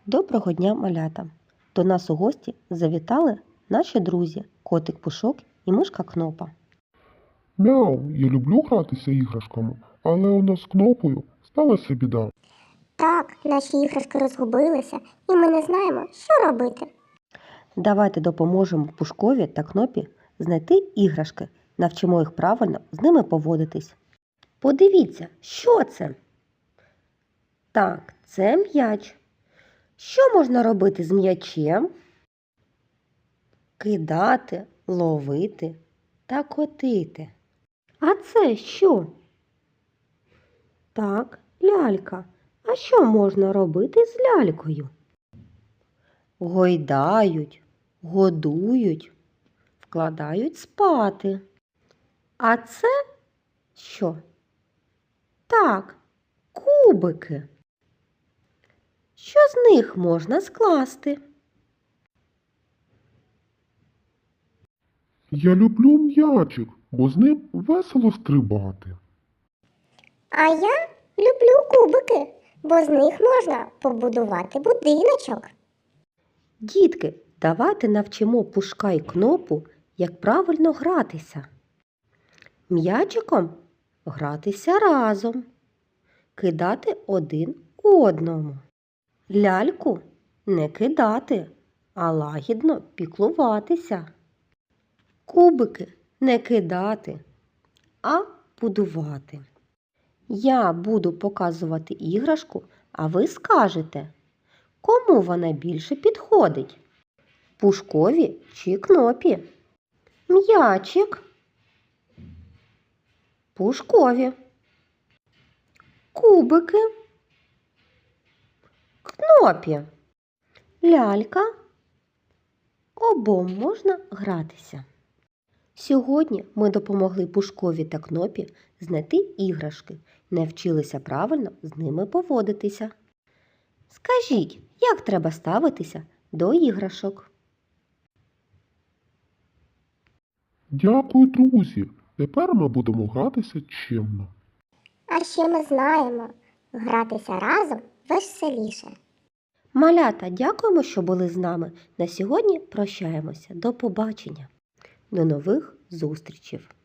Доброго дня, малята! До нас у гості завітали наші друзі котик Пушок і мишка Кнопа. Мяу, я люблю гратися іграшками, але у нас з Кнопою сталася біда. Так, наші іграшки розгубилися, і ми не знаємо, що робити. Давайте допоможемо Пушкові та Кнопі знайти іграшки, навчимо їх правильно з ними поводитись. Подивіться, що це? Так, це м'яч. Що можна робити з м'ячем? Кидати, ловити та котити. А це що? Так, лялька. А що можна робити з лялькою? Гойдають, годують, вкладають спати. А це що? Так, кубики. Що з них можна скласти? Я люблю м'ячик, бо з ним весело стрибати. А я люблю кубики, бо з них можна побудувати будиночок. Дітки, давайте навчимо Пушка і Кнопу, як правильно гратися. М'ячиком гратися разом, кидати один одному. Ляльку не кидати, а лагідно піклуватися. Кубики не кидати, а будувати. Я буду показувати іграшку, а ви скажете, кому вона більше підходить? Пушкові чи Кнопі? М'ячик. Пушкові. Кубики. Кнопі. Лялька. Обом можна гратися. Сьогодні ми допомогли Пушкові та Кнопі знайти іграшки, навчилися правильно з ними поводитися. Скажіть, як треба ставитися до іграшок? Дякую, друзі. Тепер ми будемо гратися чемно. А ще ми знаємо, гратися разом веселіше. Малята, дякуємо, що були з нами. На сьогодні прощаємося. До побачення. До нових зустрічей.